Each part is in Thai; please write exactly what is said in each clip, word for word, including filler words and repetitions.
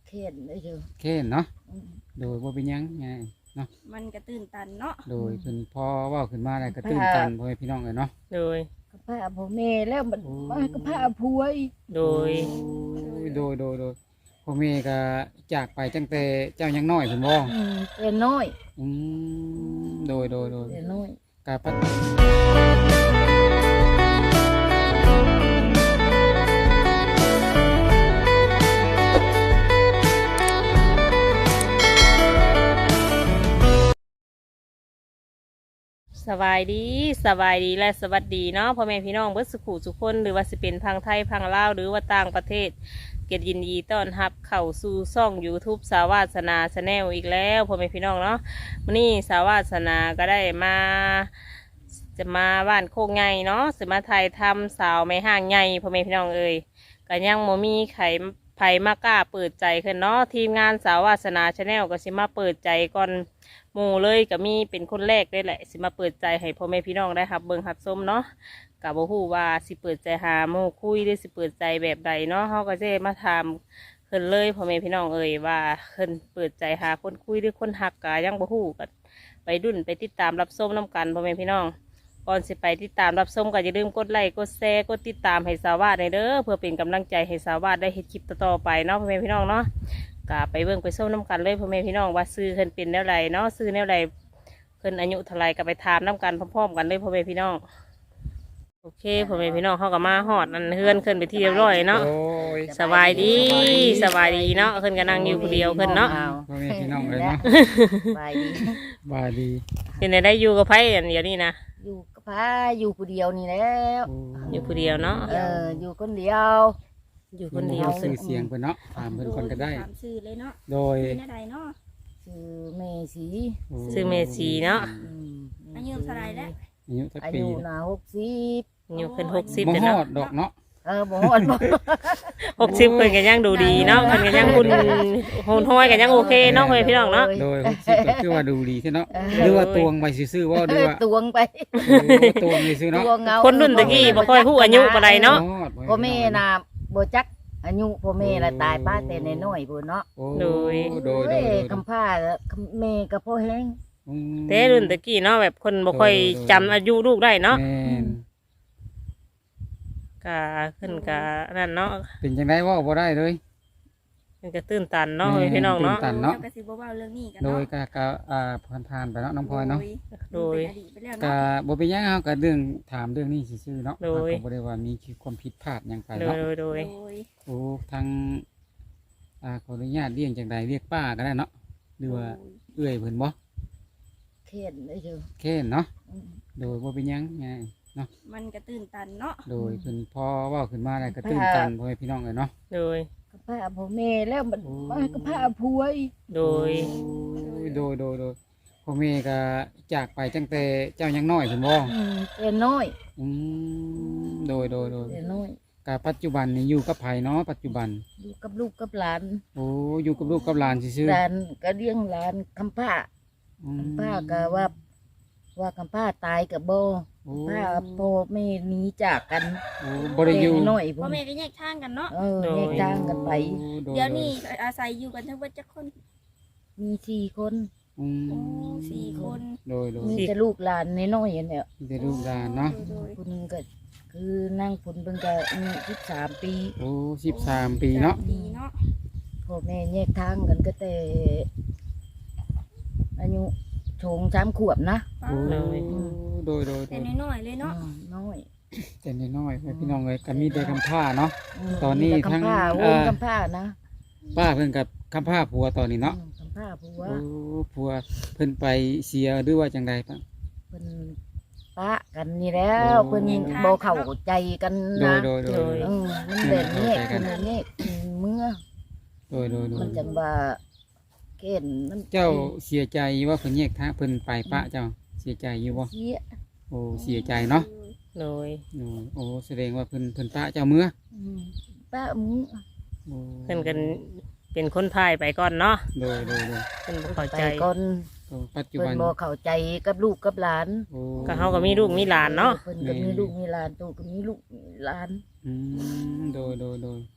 เข็นได้เถอะเค้นเนาะโดยบ่เป็นหยังไงเนาะมันก็ตื่นตันเนาะโดยเพิ่นพอเว้าขึ้นมาแล้วก็ตื่นตันพ่อแม่พี่น้องเอ้ยเนาะโดยกับผ้าพ่อแม่แล้วมันมากับผ้าผัวอีกโดยโดยโดยโดยพ่อแม่ก็จากไปตั้งแต่เจ้ายังน้อยเพิ่นบ่อืมเป็นน้อยอืมโดยโดยโดยเป็นน้อยกะปัดสบายดีสบายดีและสวัสดีเนาะพ่อแม่พี่น้องเบิดสุขุสุขคนหรือว่าสิเป็นพังไทยพังลาวหรือว่าต่างประเทศเกียรติยินดีต้อนรับเข้าสู่ช่อง YouTube สาวาสนาชาแนลอีกแล้วพ่อแม่พี่น้องเนาะวันนี้สาวาสนาก็ได้มาจะมาบ้านโคกไงเนาะสิมาไทยทำสาวไม่ห่างไงพ่อแม่พี่น้องเอ่ยก็ยังโมมีไข่ไผ่มากล้าเปิดใจขึ้นเนาะทีมงานสาวาสนาชาแนลก็สิมาเปิดใจก่อนหมู่เลยก็มีเป็นคนแรกได้แหละสิมาเปิดใจให้พ่อแม่พี่น้องได้ครับเบิ่งหับส้มเนาะกับบ่ฮู้ว่าสิเปิดใจหาหมู่คุยหรือสิเปิดใจแบบใดเนาะเฮาก็จะมาถามเพิ่นเลยพ่อแม่พี่น้องเอ่ยว่าเพิ่นเปิดใจหาคนคุยหรือคนฮักก็ยังบ่ฮู้ก็ไปดุนไปติดตามรับชมนํกันพ่อแม่พี่น้องก่อนสิไปติดตามรับชมก็อย่าลืมกดไลค์กดแชร์กดติดตามให้สาวาสเด้อเพื่อเป็นกำลังใจให้สาวาสได้เฮ็ดคลิปต่อๆไปเนาะพ่อแม่พี่น้องเนาะก็ไปเบิ่งไปส้มน้ำกันเลยพ่อแม่พี่น้องว่าซื้อเพิ่นเป็นแนวไรเนาะซื้อแนวไรเพิ่นอายุเท่าไรก็ไปถามน้ำกันพร้อมๆกันเลยพ่อแม่พี่น้องโอเคพ่อแม่พี่น้องเขาก็มาฮอดนั่นเฮือนขึ้นไปที่เรียบร้อยเนาะสบายดีสบายดีเนาะเพิ่นก็นั่งอยู่คนเดียวเพิ่นเนาะพ่อแม่พี่น้องเลยเนาะสบายดีบายดีเป็นได้อยู่กับไผอันเดียวนี่นะอยู่กับผ้าอยู่ผู้เดียวนี่แล้วอยู่คนเดียวเนาะเอออยู่คนเดียวอยู่คนเดียวซื้อเสียงเพิ่นเนาะถามเพิ่นคนก็ได้ถามชื่อเลยเนาะโดยชื่อใดเนาะชื่อเมสีซื้อเมสีเนาะอายุเท่าไรแล้วอายุสักอาปียุน่ะหกสิบอายุเพิ่นหกสิบบ่ฮอเนาะดดอกเนาะเออบ่ฮอดบ่หกสิบเพิ่นก็ยังดูดีเนาะเพิ่นก็ยังหุ่นหุ่นห้อยก็ยังโอเคเนาะพ่อแม่พี่น้องเนาะโดยหกสิบก็คือว่าดูดีใช่เนาะหรือว่าตวงไปซื่อๆว่าหรือว่าตวงไปตวงซื่อเนาะคนรุ่นตะกี้บ่ค่อยฮู้อายุปานใดเนาะพ่อแม่น่ะบ่จักอายุพ่อแม่ละตายป้าแต่น้อยๆพุ่นเนาะโดยโดยโดยคำพาแม่ก็พ่อแห้งแต่รุ่นตะกี้เนาะแบบคนบ่ค่อยจำอายุลูกได้เนาะก็ขึ้นก็นั่นเนาะเป็นจังได๋เว้าบ่ได้เลยมันก็ตื่นตันเนาะพี่น้องเนาะตื่นตันเนาะก็สิบ่เว้าเรื่องนี้กันโดเนาะยก็ก็อ่าผ่านๆไปเนาะน้องพลอยเนาะโดยก็บ่เป็นหยังเฮาก็เรื่องถามเรื่องนี้ซื่อๆเนาะก็บ่ได้ว่ามีความผิดพลาดหยังไปเนาะโดยโดยโอ้ทางอ่าขออนุญาตเรียกจังไดเรียกป้าก็ได้เนาะหรือว่าเอื้อยเพิ่นบ่เข็นได้เถอะเข็นเนาะโดยบ่เป็นหยังไงเนาะมันก็ตื่นตันเนาะโดยเพิ่นพอเว้าขึ้นมาแล้วก็ตื่นตันพ่อแม่พี่น้องเอ้ยเนาะโดยกับผ้าพ่อแม่แล้วมันมากับผ้าผัวอีกโดยโดยโดยโดยพ่อแม่ก็จากไปตั้งแต่เจ้ายังน้อยเพิ่นบ่อืมเป็นน้อยอืมโดยโดยโดยเป็นน้อยก็ปัจจุบันนี่อยู่กับไผเนาะปัจจุบันอยู่กับลูกกับหลานโอ้อยู่กับลูกกับหลานซื่อๆหลานก็เลี้ยงหลานคำผ้าคำผ้าก็ว่าว่าคำผ้าตายกับโบผ้าโบไม่หนีจากกันบ่ได้อยู่น้อยพ่อแม่ก็แยกทางกันเนาะเออแยกทางกันไปเดี๋ยวนี้อาศัยอยู่กันทั้งหมดจักคนมีสี่คนอืมสี่คนโดยโดยมีแต่ลูกหลานน้อยๆเนี่ยมีแต่ลูกหลานเนาะคุณก็คือนั่งคุณเพิ่งจะอายุสิบสามปีโอ้สิบสามปีเนาะพ่อแม่แยกทางกันก็แต่อายุโฉงสามขวบนะโอ้โดยโดยแต่น้อยเลยเนาะน้อยแต่น้อยพี่น้องเลยก็มีแต่คำผ้าเนาะตอนนี้ทั้งวงคำผ้านะป้าเพิ่นกับคำผ้าผัวตอนนี้เนาะคำผ้าผัวโอ้ผัวเพิ่นไปเสียหรือว่าจังใดป่ะเพิ่นปะกันนี่แล้วเพิ่นบ่เข้าใจกันนะโดยโดยมันแบบนี้คือนี้เมื่อโดยโดยมันจังว่าเกณฑ์มันเจ้าเสียใจว่าเพิ่นแยกทางเพิ่นไปปะเจ้าเสียใจอยู่บ่เสียโอ้เสียใจเนาะโดยโอ้แสดงว่าเพิ่นเพิ่นปะเจ้าเมื่อปะมื้อเพิ่นกันเป็นคนพายไปก่อนเนาะโดยโดยเพิ่นบ่เข้าใจก่อนปัจจุบันเพิ่นบ่เข้าใจกับลูกกับหลานก็เฮาก็มีลูกมีหลานเนาะเพิ่นก็มีลูกมีหลานตู่ก็มีลูกหลานอืมโดยโดยโดย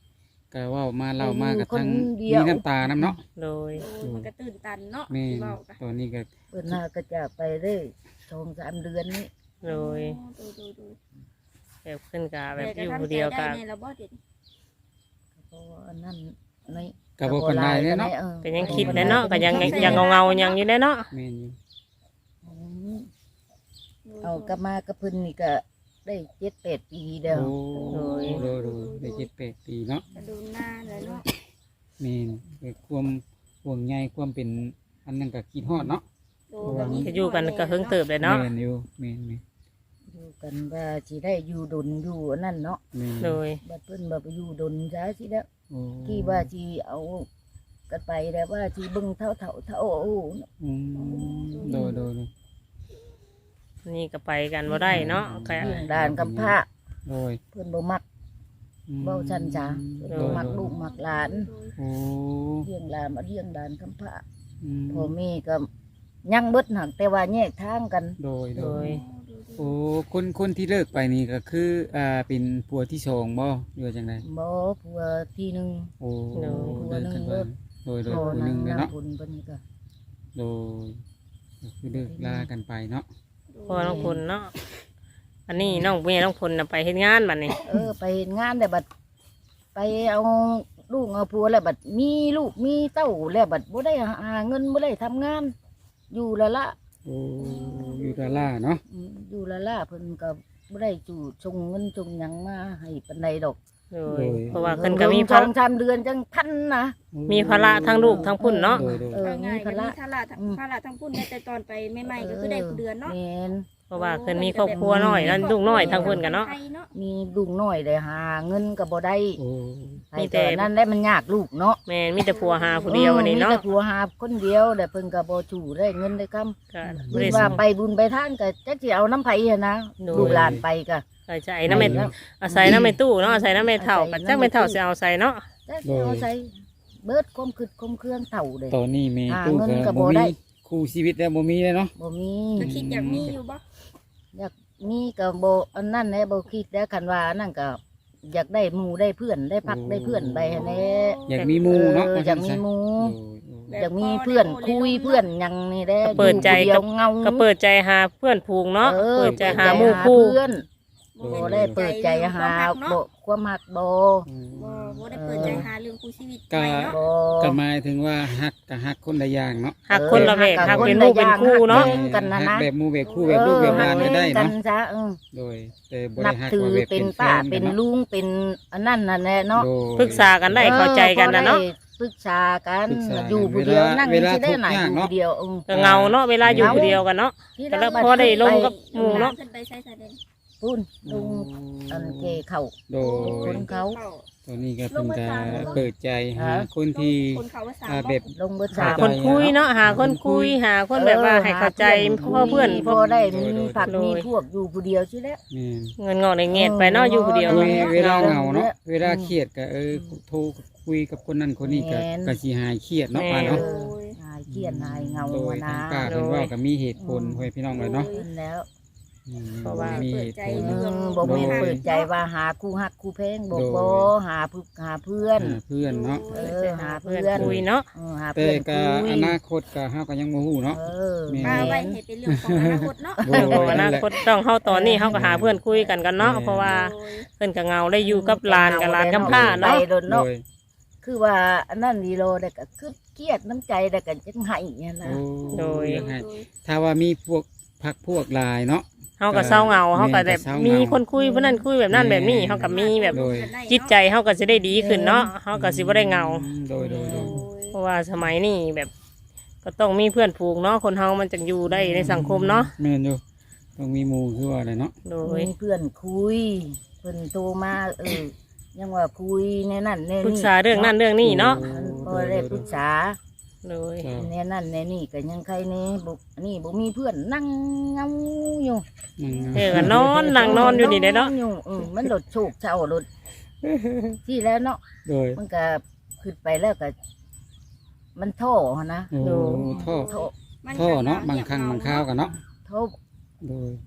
ก็เว้ามาเล่ามากับอยู่คนทั้งเดีมียวน้ำตาน้ำเนาะโดยโอ้มันก็ตื่นตันเนาะแม่เว้ากันตอนนี้ก็เพิ่นน่าก็จะไปได้สองสามเดือนนี้โดยโดยโดยโดยแบบขึ้นกะแบบแต่อยู่ก็ผู้ทำใจเดียวได้กะในระบบเด็ดเพราะว่าอันนั้นในก็บ่ปานใดเด้เนาะออก็ยังคิดแน่เนาะก็ยังยังเงาๆยังอยู่แน่เนาะแม่นอยู่อืมเอากลับมากระเพิ่นนี่ก็ได้เจ็ดแปดปีเดียวโอ้โดยโดยได้เจ็ดแปดปีเนาะกระดูหน้าเลยเนาะแม่นเกิดความห่วงใยความเป็นอันนั้นก็คิดฮอดเนาะโดยแบบนี้ก็อยู่กันก็เฮิงเติบเลยเนาะแม่นอยู่แม่นแม่นอยู่กันว่าสิได้อยู่ดนอยู่อันนั้นเนาะแม่นโดยบัดเพิ่นบ่ไปอยู่ดนจ้าสิแล้วโอ้ที่ว่าสิเอากันไปแล้วว่าสิเบิ่งเท่าเท่าเท่าโอ้อืมโดยโดยโดยนี่ก็ไปกันบ่ได้เนาะก็เรื่องด่านกับพระโดยเพิ่นบ่มักอืมเว้าซั่นจ้าเพิ่นบ่มักลูกมักหลานโอ้เลี้ยงหลานมาเลี้ยงด่านกับพระอืมพ่อแม่ก็ยังเบิดหักแต่ว่าแยกทางกันโดยโดโดยยโอ้คนคนที่เลิกไปนี่ก็คืออ่าเป็นผัวที่สองบ่หรือว่าจังไดบ่ผัวที่หนึงโอ้โดยเลิกกันไปโดยโดยพ่อผู้หนานึงงเลยนาเนาะผลเพิ่นก็โดยก็คือเลิกลากันไปเนาะพ่อน้องพลเนาะอันนี้น้องเมียน้องพลน่ะไปเฮ็ดงานบัดนี้เออไปเฮ็ดงานแต่บัดไปเอาลูกเอาผัวแล้วบัดมีลูกมีเต้าแล้วบัดบ่ได้หาเงินบ่ได้ทำงาน อยู่ละละโอ้อยู่ดาล่าเนาะอืมอยู่ละละเพิ่นก็บ่ได้จู่ชงเงินชงหยังมาให้ปานใดดอกโดยเพราะว่าเพิ่นก็มีสภาองระสามเดือนจังทันนะมีภาระทั้งลูกทั้งพุ่นเนาะโดยโดยเออเอามีง่ายๆภาก็ระมีภาระทั้งอืมภาระทั้งพุ่นแต่ตอนไปใหม่ๆก็คือได้ผู้เดือนเนาะแม่นเพราะว่าเพิ่นมีครอบครัวน้อยนั่นลูกน้อยทั้งเพิ่นกันเนาะไทยเนาะมีลูกน้อยได้หาเงินก็บ่ได้โอ้ให้มีแต่แต่นั่นได้มันยากลูกเนาะแม่นมีแต่ผัวหาผู้เดียววันนี้เนาะมีแต่ผัวหาคนเดียวแต่เพิ่นก็บ่จู่ได้เงินได้คำก็เพิ่บ่นได้ว่าส่งไปบุญไปทานก็จักสิเอาน้ำไผหันนะโดยลูกหลานไปก็ใส่ใจน้ำแม่อาศัยน้ำแม่ตู้เนาะอาศัยน้ำแม่เฒ่าก็จักแม่เฒ่าสิเอาใส่เนาะจักสิเอาใส่เบิดความคิดความเครื่องเฒ่าเด้ตอนนี้แม่หาตู้เงินก็ก็บ่บ่ได้มีคู่ชีวิตแล้วบ่มีเลยเนาะบ่มีก็คิดอยากมีอยู่บ่อยากมีก็บ่อันนั้นแหละบ่คิดแล้วคันว่าอันนั้นก็อยากได้หมู่ได้เพื่อนได้พักได้เพื่อนไปหันแหละอยากมีหมู่เนาะอออยากมีหมู่โอ้ยโอ้ยอยากมีเพื่อนคุยเพื่อนหยังนี่แหละก็เปิดใจอยู่กัผู้บเดียวเงาก็เปิดใจหาเพื่อนผูงเนาะออเปิดใจหาเปิหมู่คู่เพื่อนโอ้บ่ได้เปิดใจหาความรักเนาะบ่ความหักบ่อืมบ่บ่ได้เปิดใจหาเรื่องคู่ชีวิตก็ใหม่เนาะบ่ก็หมายถึงว่าฮักก็ฮักคนละอย่างเนาะหักคนละแบบหักเป็นลูกเป็นคู่เนาะแบ่งกันนะนะฮักแบบหมู่แบบคู่แบบลูกแบบหลานก็ได้กัเนาะนซะเออโดยแต่บ่นัได้บฮักถือว่าแบบเป็เป็น นป้าแฟนเป็กัน นเนาะลุงเป็นอันนั้นนั่นแหละเนาะโดยปรึกษากันได้เข้าใจกันนะเนาะออพอได้ปรึกษากันปรึกษากันอยู่ผู้เดียวเวลานั่งเวลาที่ได้ไหนทุกข์ยากอยู่เนาะผู้เดียวเออก็เงาเนาะเวลาอยู่ผู้เดียวกันเนาะที่แต่เราละพอได้ลงกับหมู่เนาะขึ้นไปใช้สายเด่นพูนลุงอันเกเขาโดคยนเขาตอนนี้ก็เพิ่นก็เปิดใจหาฮะคนที่คนเขาว่าสามอ่าบ่แบบลงเบอร์หาสามคนคุยเนาะหาคนคุยหาคนแบบว่าให้เข้าใจพ่อเพื่อนพพวอก ได้มีโดยผักโดยมีพวกอยู่ผู้เดียวใช่แล้วแม่นเงินงอกในเงียดไปเนาะอยู่ผู้เดียวเอเวอเวลาเหงาเนาะเวลาเครียดก็เออโทรคุยกับคนนั้นคนนี้ก็แม่นก็สิหายเครียดเนาะแม่ป้านเอเนาะอหายเครียดหายเหงาโดยอะทานะงป้าเพิ่นเว้าก็มีเหตุผลให้พี่น้องเลยเนาะนั่นแล้วอืมเพราะว่ามีเหตุผลเออบอกมีเปิดใจว่าหาคู่ฮักคู่เพลงบอกโดยบหาผู้หาเพื่อนหาเพื่อนเนาะเออหาเพื่เพื่ออน นคุยเนาะเออหาแต่เพื่อนก็คุยอนาคตก็เฮาก็ยังบ่ฮู้เนาะเออแม่ป้าไว้ให้เป็นเรื่องของอนาคตเนาะโดเรื่องของอนาคตต้องเฮาตอนนี้เฮาก็หาเพื่อนคุยกันกันเนาะแม่เพราะว่าโดยเพิ่นก็เงาได้อยู่กับหลานกับหลานกำพร้าเนาะไปโดนโดเนาะยคือว่าอันนั้นดีโลได้ก็คือเครียดน้ำใจได้ก็จังไห้เนี่ยนะโอ้โดยยังไงถ้าว่ามีพวกพักพวกหลายเนาะเฮาก็เศร้าเงาเฮาก็แบบแม่นก็เศร้าเงามีมีคนคุยผู้นั้นคุยแบบนั้นแบบนี้เฮาก็มีแบบโดยจิตใจเฮาก็สิได้ดีขึ้นเนาะเฮาก็สิบ่ได้เงาอืมโดยโดยโดยเพราะว่าสมัยนี้แบบ ก็ต้องมีเพื่อนผูกเนาะคนเฮามันจะอยู่ได้ในสังคมเนาะแม่นอยู่ต้องมีหมู่คือว่าอะไรเนาะโดยมีเพื่อนคุยเพื่อนโตมาเออยังว่าคุยในนั่นในปรึนี่กษาเรื่องนั้นเรื่องนี้เนาะมันพอได้ปรึกษาโดยครับในนั่นในนี่ก็ยังใครนี่บุอันนี้บุมีเพื่อนนั่งเงาอยู่อืมเออก็นอนนั่งนอนอยู่นี่ได้เนาะอยู่เออมันหลดโชคเช้าหลดที่แล้วเนาะโดยมันก็ขึ้นไปแล้วก็ มันโท่นะโอ้ท่อโท่ท่อเนาะบางครั้งบางคราวกันเนาะโท่โดยถึ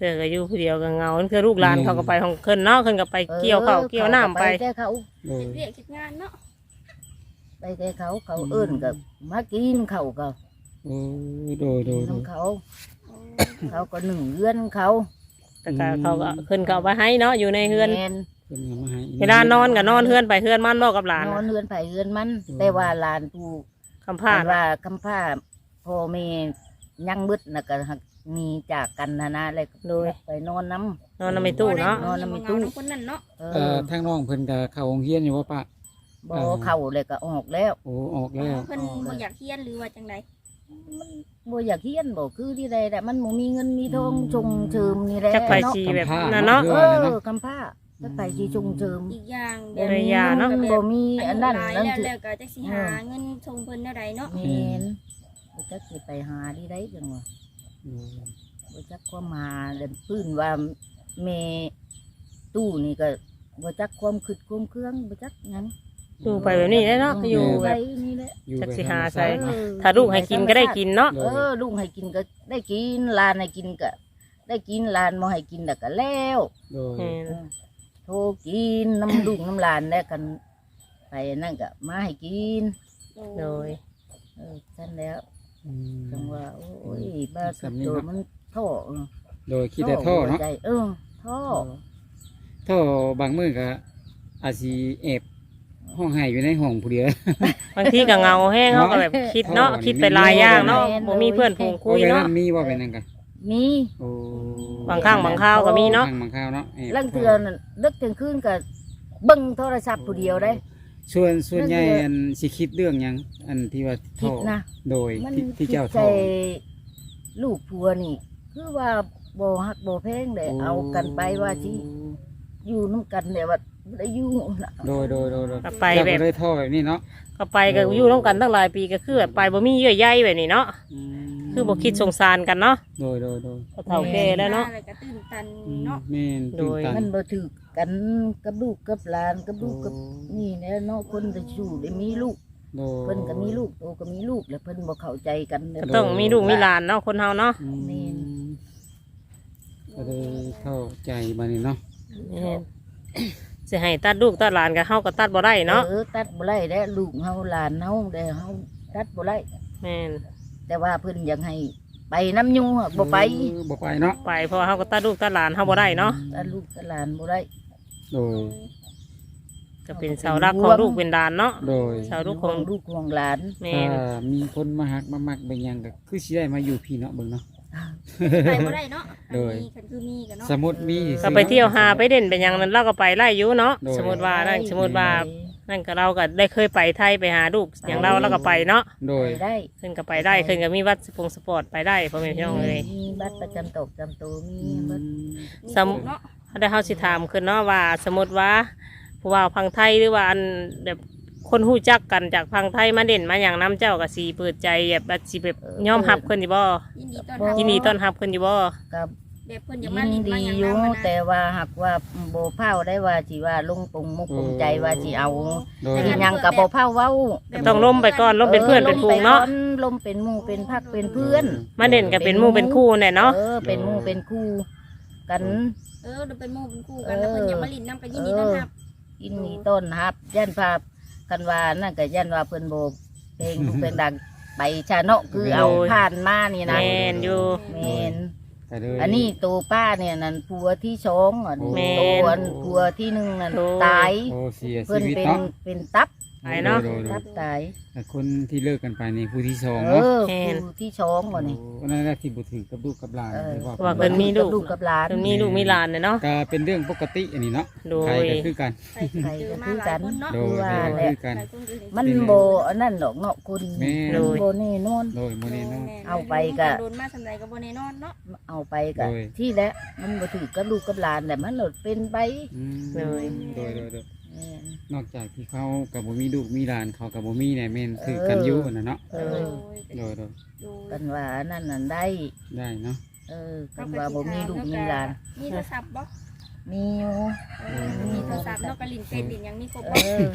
อก็อยู่ผู้เดียวก็เหงาคือลูกหลานเขาก็ไปของเพิ่นเนาะเพิ่นก็ไปเกี่ยวข้าวเกี่ยวน้ำไปแต่เขาโดยเรียกคิดงานเนาะไปแต่เขาเขาเอิ้นก็มากินเขาก็โอ้โดยโดยโดยน้ำเขา เขาก็หนึ่งเรือนเขาแต่ก็เขาก็เพิ่นก็เอาไปให้เนาะอยู่ในเฮือนแม่นเพิ่นก็มาให้เวลานอนก็นอนเฮือนไปเฮือนมันบ่กับหลานนอนน่ะเรือนไผ่เรือนมัน แต่ว่าหลานผู้คำพาดว่าคำผ้าพ่อแม่ยังมืดน่ะก็หักมีจากกันนะนะเลยโดยไปนอนน้นอนในตู้เนาะนอนในตู้คนนั้นเนาะำเอเอ่ออทางน้องเพิ่นก็เข้าโรงเรียนอยู่ว่าปะบ่เข่าเลยก็ออกแล้วโอ้ออกแล้วเพิ่นบ่อยากเฮียนหรือว่าจังไดบ่อยากเฮียนบ่คือที่ใดแต่มันบ่มีเงินมีทองชงเชิมนี่แหละจักไปเนาะชีแบบคำพาดนั่นเนาะเอเนาะอคำผ้าจักไปชีชงเชิมอีกอย่างแบบ่บเอมียาเนาะเงินบ่มีอันนั้นหลายนั่นแล้วคือแล้วก็จักสิหาเงินชงเพิ่นเท่าใดเนาะแม่นบ่จักสิไปหาที่ใดจังว่าโดยบ่จักความหาเล่นปื้นว่าแม่ตู้นี่ก็บ่จักความคิดความเครื่องบ่จักหยังอยู่ไปแบบนี้ได้เนาะอยู่ไปแบบนี่แหละอยู่จักสิแบบหาธรรมใส่ชติเนาะถ้าลูกให้กินก็ได้กินเนาะเออลูกให้กินก็ได้กินหลานให้กินก็ได้กินหลานบ่ให้กินน่ะก็แล้วโดยแม่นโทรกินน้ำลูกน้ำหลานแล้วกัน ไปนั่นก็มาให้กินโดยเออฉันแล้วอืมจังว่าโอ้ยบ้าสุดสำนีโตเนาะมันท่อเออโดยคิดแต่ท่อเนาะหัวใจเออท่อท่อบางมื้อก็อาจสิแอบห้องไห้อยู่ในห้องผู้เดียวบางทีก็เหงาแห้งเขาก็แบบคิดเนาะเออคิดไปหลายอย่างเนาะบ่มีเพื่อนฝูงคุยเนาะโอ้มีว่าเป็นนั่นกันมีโอ้บางครั้งบางคราวก็มีเนาะบางบางคราวเนาะแอบลังเทือนเลิกถึงคืนก็เบิ่งโทรศัพท์ผู้เดียวได้ส่วนส่วนใหญ่เรื่องอันสิคิดเรื่องหยังอันที่ว่าคิท่อดนะโดยมันที่ที่คิดเจ้าใจท่อลูกผัวนี่ คือว่าบ่ฮักบ่แพงเลยเอากันไปว่าสิอยู่น้ำกันเนี่ยว่าบ่ได้อยู่น่ะโดยโดยโดยโดยก็ไปแบบเจ้าก็เลยท่อแบบนี้เนาะก็ไปก็อยู่ร่วมกันตั้งหลายปีก็คือแบบไปบ่มีเยื่อใยแบบนี้เนาะอืมคือบ่คิดสงสารกันเนาะโดยโดยโดยก็เฒ่าแก่แล้วเนาะอะไรก็ตื่นตันอืมเนาะแม่นโดตื่นยตันมันบ่ถือกันกับลูกกับหลานกับลูกกับโอ้นี่แหละเนาะคนจะชูได้มีลูกโดยเพิ่นก็มีลูกโตก็มีลูกแล้วเพิ่นบ่เข้าใจกันเด้ก็ต้องมีลูกมีหลานเนาะคนเฮาเนาะอืมแม่นก็เลยเข้าใจมานี่เนาะแม่นสิให้ตัดลูกตัดหลานก็เฮาก็ตัดบ่ได้เนาะเออตัดบ่ได้แล้วลูกเฮาหลานเฮาได้เฮาตัดบ่ได้แม่นแต่ว่าเพิ่นอยากให้ไปน้ำยูอะบ่ไปเออบ่ไปเนาะไปเพราะว่าเฮาก็ตัดลูกตัดหลานเฮาบ่ได้เนาะตัดลูกตัดหลานบ่ได้โดยก็เป็นเสาหลักของลูกเป็นหลานเนาะโดยเสาลูกของลูกของหลานแม่ถ้าน มีคนมาหักมามักเป็นหยังก็คือสิได้มาอยู่พี่เนาะเบิ่งเนาะไปบ่ได้เนาะโดยมีคันคือมีกันเนาะสมมุติมีก็ไปเที่ยวหาไปเด่นเป็นหยังนั้นเราก็ไปไล่อยู่เนาะโดยสมมติว่านั่นสมมติว่านั่นก็เราก็ได้เคยไปไทยไปหาลูกอย่างเราเราก็ไปเนาะโดยไปได้ขึ้นก็ไปได้ขึ้นก็มีวัดสปงสปอร์ตไปได้พ่อแม่พี่น้องเลยมีบัตรประจำตกจำตัวมีอืมบัตรมีสมเนาะเขาได้เฮาสิถามขึ้นเนาะว่า สมมติว่าผู้ว่าพังไทยหรือว่าอันแบบคนหู้จักกันจากพังไทยมาเด่นมาอย่างน้ำเจ้าก็สีเปิดใจแบบว่าสิแบบยอมรับคนอยู่บ่ยินดีต้อนรับยินดีต้อนรับคนอยู่บ่กับแบบเพิ่นอยากยิมาน ลิ้นดีมาหยังอยู่นำมานะแต่ว่าหากว่าโบเผาได้ว่าสิว่าลงปงมุกปงใจว่าสิเอาโดยสิหยังกับโบเผาเว้าก็ต้องล้มไปก่อนล้มเป็นเพื่อนเป็นฟูงเนาะออลมเป็นหมู่เป็นพักเป็นเพื่อนมาเด่นก็เป็นหมู่เป็นคู่เนี่ยเนาะเออเป็นหมู่เป็นคู่กันเออเราเป็นหมู่เป็นคู่กันแล้วเพิ่นอยากมาลิ้นนำก็ยินดีต้อนรับกินนี่ต้นฮับยันภาพกันว่านั่นก็ยันว่าเพิ่นโบเพลงลูกเพลงดังไปชาเนาะคือเอาผ่านมานี่นะแม่นอยู่แมนก็เลยอันนี้ตัวป้าเนี่ยนั่นผัวที่สองอันแม่นตัวอันผัวที่หนึ่งนั่นโอ้ตายโอ้เสียเพิ่ชีนวิตเป็นเนาะเป็นตับไปเนาะโดยโดยโดตัยบตายแต่คนที่เลิกกันไปนี่ผู้ที่สองเอเนาะอแม่นผู้ที่สองวะนี่โอ้นั่นแหละที่บุถือกับลูกกับหลานเออที่ว่าว่าเพิ่นมีลูกลูกกับหลานเพิ่นมีลูกมีหลานเนี่ยเนาะก็เป็นเรื่องปกติอันนี้เนาะโดใครยก็คือกันใครก็เจอมาหลายคนเนาะโดยคือว่าใครก็แหละคือกันหลายคนก็เห็มันโบอันนั้นดอกเนาะคุณแม่มันโบแน่นอนโดยโมเนเนาะเอาไปก็โดนมาสำไรก็บ่แน่นอนเนาะเอาไปกับโดยที่แล้วมันบ่ถือกับลูกกับหลานแต่มันหลดเป็นไปอืมโดยโดยโดยโดยแม่นนอกจากที่เขากับบ่มีลูกมีหลานเขากับบ่มีเนี่ยแม่นคือกันอยู่นะเนาะเอโดอยโดยโดยโดยกันว่าอันนั่นนั่นได้ได้เนาะเออกันว่าบ่มีลูกมีหลานมีโทรศัพท์บ่มีอยู่เออมีโทรศัพท์เนาะก็ลิ้นเป็นลิ้นหยังมีครบเอบ่อ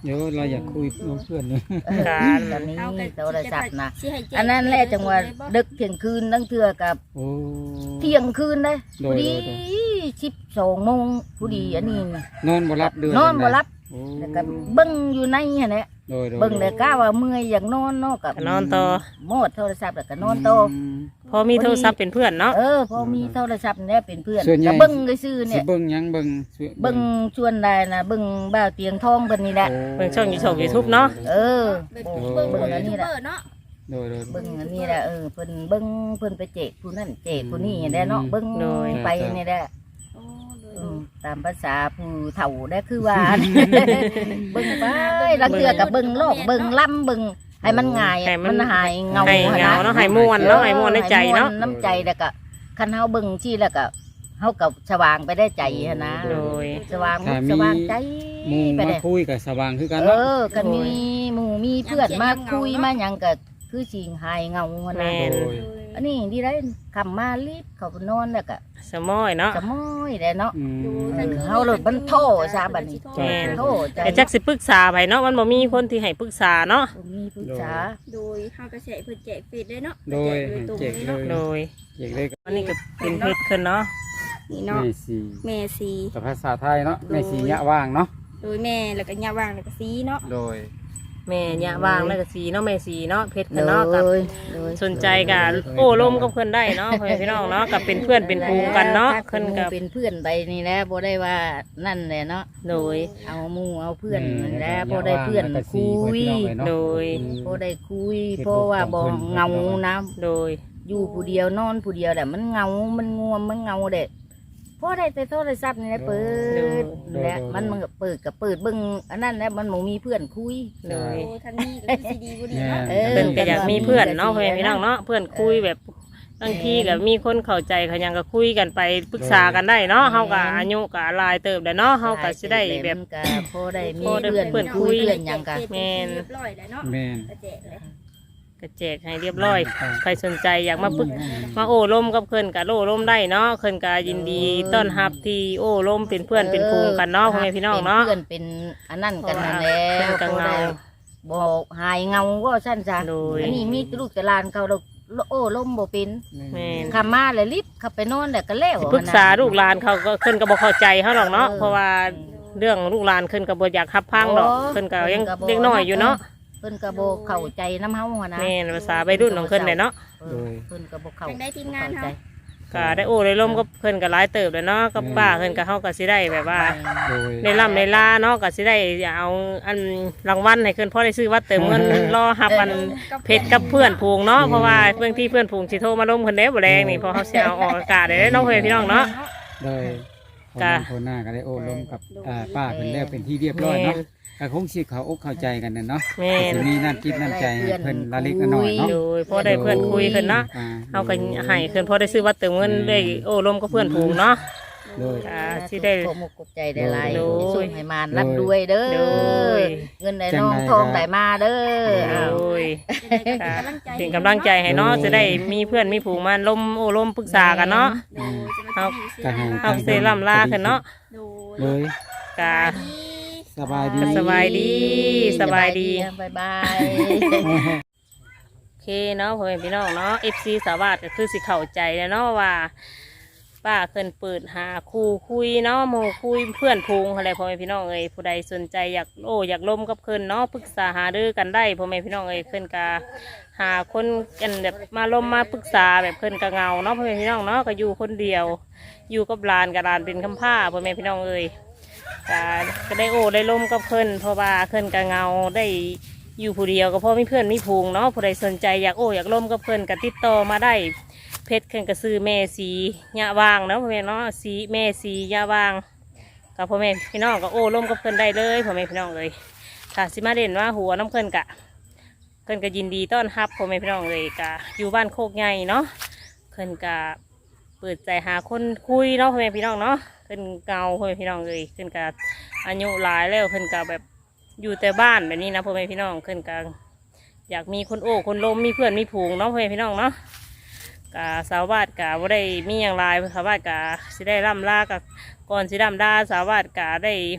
เดี๋ยวเราอยากคุยกับเพื่อนเลยเออการตอนนี้เอาก็โทรศัพท์นะสิให้แจ้งอันนั้นแหละจังหวะดึกเที่ยงคืนนั่งเทือกับโอ้เที่ยงคืนได้โดผู้ยดีโดยสิบสองโมงผู้ดีอันนี้น่ะนอนบ่รับเดือนนอนบ่รับโอ้แล้วก็เบิ่งอยู่ในหั่นแหละโดยโดยเบิ่งแต่ก้าว่าเมื่อยอยากนอนเนาะกับก็นอนต่อโมดโทรศัพท์แล้วก็นอนต่อมพอมีโทรศัพท์เป็นเพื่อนเนาะเออพอมีโทรศัพท์เนี่ยเป็นเพื่อนส่วนใหญ่ก็เบิ่งซื่อๆสิเนี่ยเบิ่งหยังเบิ่งสิเบิ่งชวนได้นะเบิ่งบ่าวเตียงทองเพิ่นนี่แหละโเบิ่งช่อง YouTube YouTube เนาะเออเบิ่งเบิ่งเบิ่งเบิ่งเบิ่งอันยูนี้ทูบแหละเบอร์เนาะโดยโดยเบิ่งอันนี้แหละเออเพิ่นเบิ่งเพิ่นไปเจกผู้นั่นเจกผู้นี่ได้เนาะเบิ่งไปนี่แหละโอ้โดยอืมตามภาษาผู้เฒ่าได้คือว่า เบิ่งไปลังเทื่อกับเบิ่งโลกเบิ่งล่ำเบิ่งให้มันง่ายให้มันมันหายเงาให้หั่นเงานะเนาะให้ม่วนเนาะให้ม่วนในใจเนาะให้ม่วน้ำใจแล้วก็คันเฮาเบิ่งที่แล้วก็เฮาก็สว่างไปได้ใจหั่นนะโดยสว่างมุกสว่างใจหมู่ไปมาได้คุยกับสว่างคือกันเอเนาะอกันมีหมู่มีเพื่อนมาคุยมาหยังก็คือสิหายเงาหั่นแม่นะนโดยอันนี้ดีได้คำมารีบเข้าไปนอนแล้วก็สมอยเนาะจะม้อยได้เนาะอืมดูเอทั้งอคืนเฮาโลดมันโทซะบัดนี้แม่นโทใจแต่จักสิปรึกษาไผเนาะมันบ่มีคนที่ให้ปรึกษาเนาะบ่มีปรึกษาโดยเฮาก็สิให้เพิ่นแจกเฟซได้เนาะโดยแจกโดยตรงแจกเลยเลเนาะยโดยเจกเลยกับอันนี้ก็เป็นเพชรขึ้นเนาะนี่เนาะแม่สีแม่สีกับภาษาไทยเนาะแม่สียะว่างเนาะโดยแม่แล้วก็ย่าว่างแล้วก็สีเนาะโดยแม่ยะวางแล้วก็สีเนาะแม่สีเนาะเพชรเลขึ้นเนาะกับยเลยสนใจกับโอ้ลมกับเพื่อนได้เนาะพ่อแม่พี่น้องเนาะกับเป็นเพื่อนเป็นภูมิกันเนาะถ้ขึ้นกับเป็นเพื่อนไปนี่แหละบ่ได้ว่านั่นแหละเนาะโดยเอาหมู่เอาเพื่อนนั่นแหละบ่ได้เพื่อนคุยโดยบ่ได้คุยเพราะว่าบ่เหงานะโดยอยู่ผู้เดียวนอนผู้เดียวแหละมันเหงา มันง่วงมันเหงาเด็ดพอได้แต่โทรศัพท์นี่แหละเปิดแหละมันมันก็เปิดกับเปิดเบิ่งอันนั้นแหละมันบ่มีเพื่อนคุยโดยโอ้ทางนี้ก็คือสิดีกว่านี้เนาะเออเพื่อนก็อยากมีเพื่อนเนาะพ่อแม่พี่น้องเนาะเพื่อนคุยแบบบางทีกับมีคนเข้าใจเขายังก็คุยกันไปปรึกษากันได้เนาะเฮาก็อายุก็หลายเติบแล้วเนาะเฮาก็สิได้แบบมันก็พอได้มีพอได้เพื่อนเพื่อนคุคุยยเพื่อนหยังกันแม่นเรียบร้อยแล้วเนาะแม่นก็แจกเลยก็แจกให้เรียบร้อยใครสนใจอยากมาปรึกมาโอ้ลมกับเพิ่นก็โอ้ลมได้เนาะเพิ่นก็ยินดีต้อนรับที่โอ้ลมเป็นเพื่อนเป็นภูมิกันเนาะพ่อแม่พี่น้องเนาะป็เพื่อนเป็นอันนั้นกันนั่นแหละเพิ่นก็พอเงาได้บอกหายเงาว่าสั้นจ้ะโดยอันนี้มีลูกแต่หลานเขาเราโอ้ล้มบ่เป็นแม่นคำมาเลยรีบขับไปนอนแล้วก็แล้วปรึกษาลูกหลานเขาก็เพิ่นก็บ่เข้าใจเขาหรอกเนาะเออเพราะว่าเรื่องลูกหลานเพิ่นก็บ่อยากรับพังดอกเพิ่นก็ยังเด็กน้อยอยู่เนาะเพิ่นก็บ่เข้าใจน้ำเฮาหัวนะแม่นภาษาวัยรุ่นของเพิ่นเนี่ยเนาะเออเพิ่นก็บ่เข้าทางได้ทีมงานเข้าเฮาใจก็ได้โอ้ได้ร่มก็เพิ่นก็หลายเติบเลยเนาะกับป้าเพิ่นก็เฮาก็สิได้แบบว่าโดยในล่ำในลาเนาะก็สิได้เอาอันรางวัลให้เพิ่นพอได้ซื้อวัดเติมเงินรอรับอันเพชรกับเพื่อนผูงเนาะเพราะว่าเพื่อนที่เพื่อนผูงสิโทรมาล้มเพิ่นได้บ่แรงนี่เพอเฮาสิเอาออกอากาศได้เนาะเพื่อนพี่น้องเนาะโดยกะคนหน้าก็ได้โอ้ลมกับอ่าป้าเป็นแล้วเป็นที่เรียบร้อยเนาะก็คงสิเขาอกเข้าใจกันน่ะเนาะแม่นสิมีน้ำจิตน้ำใจให้เพิ่นละเล็กละน้อยเนาะโดยพอได้เพื่อนคุยเพิ่นเนาะอ่เฮาก็ให้เพิ่นพอได้ซื้อวัดเติมเงินได้โอ้ล้มกับเพื่อนผูงเนาะโดยอ่าสิได้ขอมุกขอบใจได้หลายโดยส่งให้มารับด้วยเด้อโดยเงินได้น้องทองได้มาเด้อโดอ้าวยค่ะเป็นกำลังใจให้เนาะจะได้มีเพื่อนมีผูงมาล้มโอ้ล้มปรึกษากันเนาะโดยจะมาที่ก็ให้เอาเซรั่มลาขึ้นเนาะโดยเลยกะสบายดีสบายดี สบายดีบ๊ายบายโอเคเนาะพ่อแม่พี่น้องเนาะ เอฟ ซี สาวาสก็คือสิเข้าใจแล้วเนาะว่า ป้าเพิ่นเปิดหาคู่คุยเนาะหมู่คุยเพื่อนพูงอะไรพ่อแม่พี่น้องเอ้ยผู้ใดสนใจอยากโอ้อยากล้มกับเพิ่นเนาะปรึกษาหารือกันได้พ่อแม่พี่น้องเอ้ยเพิ่นก็หาคนกันแบบมาล้มมาปรึกษาแบบเพิ่นก็เหงาเนาะพ่อแม่พี่น้องเนาะก็อยู่คนเดียว อยู่กับหลานกับหลานเป็นคำผ้าพ่อแม่พี่น้องเอ้ยก็ก็ได้โอ้ได้ล้มกับเพิ่นเพราะว่าเพิ่นก็เหงาได้อยู่ผู้เดียวก็เพราะมีเพื่อนมีพูงเนาะผู้ใดสนใจอยากโอ้อยากล้มกับเพิ่นก็ติดต่อมาได้เพชรเพิ่นก็ซื้อแม่สียะวางเนาะพ่อแม่เนาะสีแม่สียะวางกับพ่อแม่พี่น้องก็โอ้ล้มกับเพิ่นได้เลยพ่อแม่พี่น้องเลยถ้าสิมาเด่นว่าหัวน้ำเพิ่นกะเพิ่นก็ยินดีต้อนรับพ่อแม่พี่น้องเลยกะอยู่บ้านโคกใหญ่เนาะเพิ่นกะเปิดใจหาคนคุยเนาะพ่อแม่พี่น้องเนาะเพิ่นเก่าพ่อแม่พี่น้องเลยเพิ่นกะอายุหลายแล้วเพิ่นกะแบบอยู่แต่บ้านแบบนี้นะพ่อแม่พี่น้องเพิ่นกะอยากมีคนโอ้คนล้มมีเพื่อนมีผูงเนาะพ่อแม่พี่น้องเนาะกะสาวบ้านกะว่าได้มีอย่างไรสาวบ้านกะสิได้ร่ำลากับก่อนสิร่ำลาสาวบ้านกะได้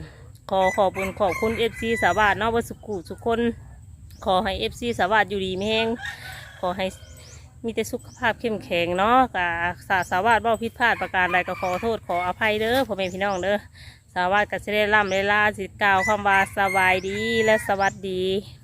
ขอขอบคุณขอบคุณเอฟซีสาวาสเนาะเบดสุขุทุกคนขอให้เอฟซีสาวาสอยู่ดีไม่แห้งขอให้มีแต่สุขภาพเข้มแข็งเนาะกะสาสาวาสเว่าผิดพลาดประการใดก็ขอโทษขออภัยเด้อพ่อแม่พี่น้องเด้อสาวาสก็จะได้ร่ำได้ลาสิกล่าวคำว่าสบายดีและสวัสดี